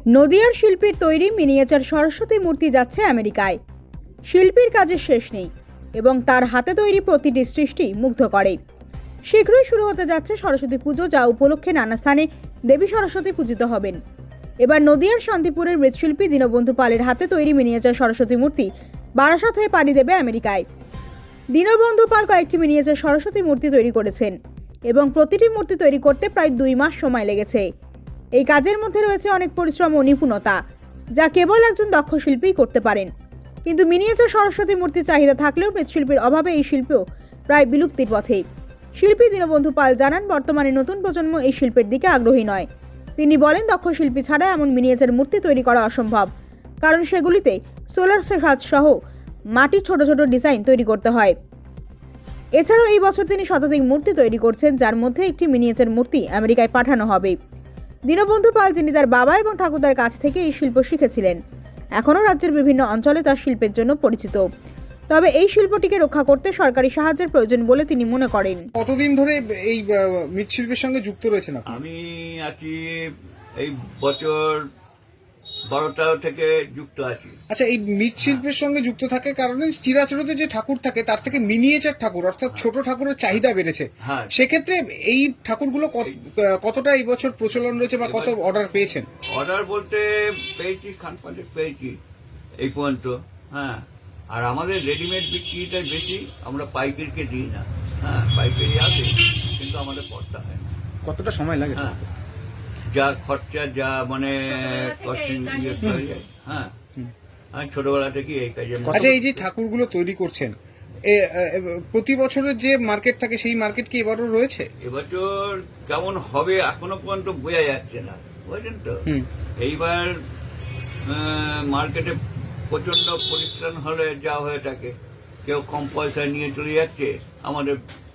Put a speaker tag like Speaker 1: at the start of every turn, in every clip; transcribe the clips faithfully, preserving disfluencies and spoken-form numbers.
Speaker 1: নদিয়ার শিল্পীর তৈরি মিনিয়েচার সরস্বতী মূর্তি যাচ্ছে আমেরিকায়। শিল্পীর কাজের শেষ নেই এবং তার হাতে তৈরি প্রতিটি সৃষ্টি মুগ্ধ করে। শীঘ্রই শুরু হতে যাচ্ছে সরস্বতী পুজো, যা উপলক্ষে নানা স্থানে দেবী সরস্বতী পূজিত হবেন। এবার নদিয়ার শান্তিপুরের মৃৎশিল্পী দীনবন্ধু পালের হাতে তৈরি মিনিয়েচার সরস্বতী মূর্তি বারাসাত হয়ে পাড়ি দেবে আমেরিকায়। দীনবন্ধু পাল কয়েকটি মিনিয়েচার সরস্বতী মূর্তি তৈরি করেছেন এবং প্রতিটি মূর্তি তৈরি করতে প্রায় দুই মাস সময় লেগেছে। এই কাজের মধ্যে রয়েছে অনেক পরিশ্রম ও নিপুণতা, যা কেবল একজন দক্ষ শিল্পীই করতে পারেন। কিন্তু মিনিয়েচার সরস্বতী মূর্তির চাহিদা থাকলেও মৃৎশিল্পীর অভাবে এই শিল্পও প্রায় বিলুপ্তির পথে। শিল্পী দীনবন্ধু পাল জানান, বর্তমানে নতুন প্রজন্ম এই শিল্পের দিকে আগ্রহী নয়। তিনি বলেন, দক্ষ শিল্পী ছাড়া এমন মিনিয়েচার মূর্তি তৈরি করা অসম্ভব, কারণ সেগুলিতে সোলার সাজ সহ মাটির ছোট ছোট ডিজাইন তৈরি করতে হয়। এছাড়াও এই বছর তিনি শতাধিক মূর্তি তৈরি করছেন, যার মধ্যে একটি মিনিয়েচার মূর্তি আমেরিকায় পাঠানো হবে। দীনবন্ধু পাল, যিনি তার বাবা এবং ঠাকুরদার কাছ থেকে এই শিল্প শিখেছিলেন, এখনও রাজ্যের বিভিন্ন অঞ্চলে তার শিল্পের জন্য পরিচিত। তবে এই শিল্পটিকে রক্ষা করতে সরকারি সাহায্যের প্রয়োজন বলে তিনি মনে করেন।
Speaker 2: কতদিন ধরে এই মৃৎশিল্পের সঙ্গে যুক্ত রয়েছেন আপনি?
Speaker 3: আমি আছি এই বছর বারোটা থেকে যুক্ত আছি।
Speaker 2: আচ্ছা, এই মৃৎশিল্পের সঙ্গে যুক্ত থাকার কারণে চিরাচরিত যে ঠাকুর থাকে তার থেকে মিনিয়েচার ঠাকুর অর্থাৎ ছোট ঠাকুরের চাহিদা বেড়েছে।
Speaker 3: হ্যাঁ,
Speaker 2: সেক্ষেত্রে এই ঠাকুরগুলো কত- কতটা এই বছর প্রচলন রয়েছে বা কত অর্ডার পেয়েছেন?
Speaker 3: অর্ডার বলতে পেয়েছি খান পাঞ্চেত পেয়েছি এই পর্যন্ত। হ্যাঁ, আর আমাদের রেডিমেড বিক্রিটা বেশি, আমরা পাইকারিকে দিই না। হ্যাঁ, পাইকারি আছে কিন্তু আমাদের পড়তে হয় না।
Speaker 2: কতটা সময় লাগে?
Speaker 3: হ্যাঁ, যা খরচা যা মানে costing ইয়ে হয়ে যায়। হ্যাঁ, আমি ছোটবেলা থেকে এই কাজে।
Speaker 2: আচ্ছা, এই যে ঠাকুরগুলো তৈরি করছেন, এ, এ, প্রতি বছরের যে মার্কেট থাকে সেই মার্কেট কি এবারও রয়েছে?
Speaker 3: এবছর কেমন হবে এখনো পর্যন্ত বোঝা যাচ্ছে না, বুঝলেন তো।
Speaker 2: হুম।
Speaker 3: এইবার মার্কেটে প্রচন্ড পরিত্রাণ হলে যা হয়ে থাকে, কেউ কম পয়সায় নিয়ে চলে যাচ্ছে, আমাদের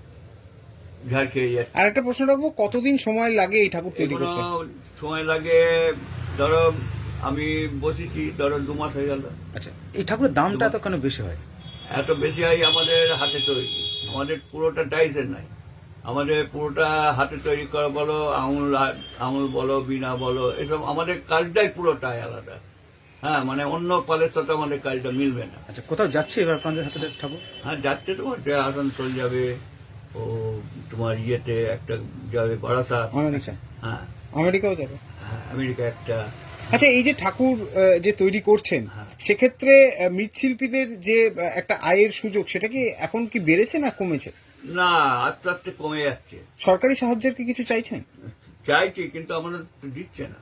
Speaker 3: ঝাড় খেয়ে যাচ্ছে।
Speaker 2: আর একটা প্রশ্ন রাখবো, কতদিন সময় লাগে এই ঠাকুর তৈরি
Speaker 3: এগুলো
Speaker 2: করতে?
Speaker 3: সময় লাগে, ধরো আমি বসেছি ধরো দু মাস হয়ে গেল।
Speaker 4: আচ্ছা, এই ঠাকুরের দামটা এত কেন বেশি হয়?
Speaker 3: এত বেশি হয় আমাদের হাতে তৈরি, আমাদের পুরোটা টাইসের নাই। আমাদের পুরোটা হাতে তৈরি করা বলো, আঙুল আঙুল বলো, বিনা বলো, এসব আমাদের কাজটাই পুরোটাই আলাদা। হ্যাঁ, মানে অন্য পালের সাথে আমাদের কাজটা মিলবে না।
Speaker 4: আচ্ছা, কোথাও যাচ্ছে এবার আপনাদের হাতে ঠাকুর?
Speaker 3: হ্যাঁ, যাচ্ছে, তোমার আসানসোল যাবে, ও তোমার ইয়েতে একটা যাবে বারাসাত।
Speaker 2: আমেরিকা?
Speaker 3: হ্যাঁ,
Speaker 2: আমেরিকাও যাবে।
Speaker 3: হ্যাঁ, আমেরিকা একটা।
Speaker 2: আচ্ছা, এই যে ঠাকুর আহ, যে তৈরি করছেন,
Speaker 3: হ্যাঁ।
Speaker 2: সেক্ষেত্রে আহ, মৃৎশিল্পীদের যে আহ, একটা আয়ের সুযোগ, সেটা কি এখন কি বেড়েছে না কমেছে?
Speaker 3: না, আস্তে আস্তে কমে যাচ্ছে।
Speaker 2: সরকারি সাহায্যের কি কিছু চাইছেন?
Speaker 3: চাইছি কিন্তু আমাদের তো দিচ্ছে না।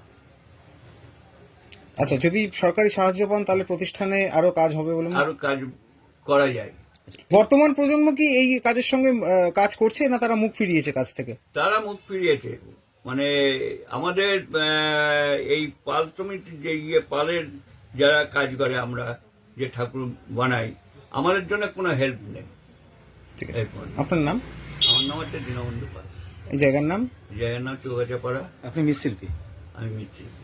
Speaker 2: আচ্ছা, যদি সরকারি সাহায্য পান তাহলে প্রতিষ্ঠানে আরো কাজ হবে বলে মনে-
Speaker 3: আরো কাজ করা যায়।
Speaker 2: বর্তমান প্রজন্ম কি এই কাজের সঙ্গে আহ, কাজ করছে না তারা মুখ ফিরিয়েছে কাজ থেকে?
Speaker 3: তারা মুখ ফিরিয়েছে। মানে আমাদের আহ, এই পাল সমিতির যে ইয়ে পালের যারা কাজ করে, আমরা যে ঠাকুর বানাই, আমাদের জন্য কোনো হেল্প নেই।
Speaker 2: ঠিক আছে,
Speaker 3: এরপর
Speaker 2: আপনার নাম?
Speaker 3: আমার নাম হচ্ছে দীনবন্ধু পাল,
Speaker 2: এই জায়গার নাম?
Speaker 3: জায়গার নাম চৌগাছাপাড়া।
Speaker 4: আপনি মৃৎশিল্পী?
Speaker 3: আমি মিত্রি।